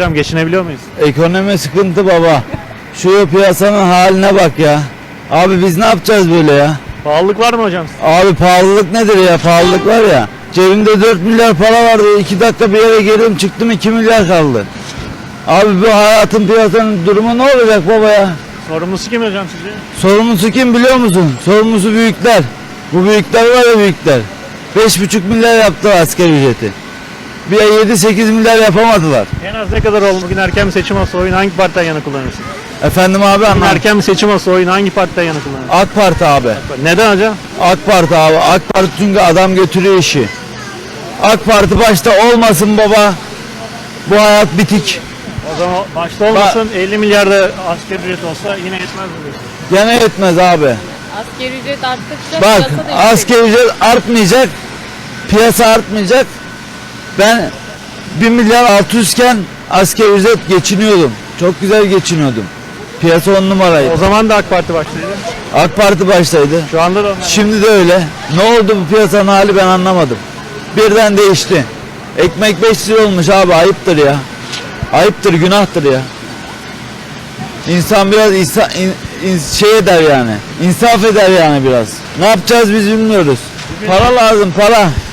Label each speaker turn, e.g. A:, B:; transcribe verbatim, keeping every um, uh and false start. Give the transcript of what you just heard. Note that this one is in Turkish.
A: amcam, geçinebiliyor muyuz?
B: Ekonomi sıkıntı baba. Şu piyasanın haline bak ya. Abi biz ne yapacağız böyle ya?
A: Pahalılık var mı hocam?
B: Abi pahalılık nedir ya? Pahalılık var ya. Cebimde dört milyar para vardı. iki dakika bir yere girdim çıktım iki milyar kaldı. Abi bu hayatın piyasanın durumu ne olacak baba ya?
A: Sorumlusu kim hocam sizce?
B: Sorumlusu kim biliyor musun? Sorumlusu büyükler. Bu büyükler var ya büyükler. beş buçuk milyar yaptı asgari ücreti. Bir yedi sekiz milyar yapamadılar.
A: En az ne kadar oldu? Bugün erken bir seçim olsa oyunu hangi partiden yana kullanırsın?
B: Efendim abi
A: Bugün
B: anlam.
A: erken bir seçim olsa oyunu hangi partiden yana kullanırsın?
B: AK Parti abi.
A: Neden hocam?
B: AK Parti abi. AK Parti çünkü adam götürüyor işi. AK Parti başta olmasın baba. Bu hayat bitik.
A: O zaman başta olmasın elli milyarda asgari ücret olsa yine yetmez mi diyorsun?
B: Gene yetmez abi.
C: Asgari ücret arttıkça
B: Bak
C: piyasa da yüksek.
B: asgari ücret artmayacak. Piyasa artmayacak. Ben bir milyar altı yüz iken asgari ücret geçiniyordum. Çok güzel geçiniyordum. Piyasa on numaraydı.
A: O zaman da AK Parti başlıydı.
B: AK Parti baştaydı.
A: Şu anda da onlar.
B: Şimdi de öyle. Ne oldu bu piyasanın hali ben anlamadım. Birden değişti. Ekmek beş lira olmuş abi, ayıptır ya. Ayıptır, günahtır ya. İnsan biraz insa, in, in- şey eder yani. İnsaf eder yani biraz. Ne yapacağız biz bilmiyoruz. Para lazım, para.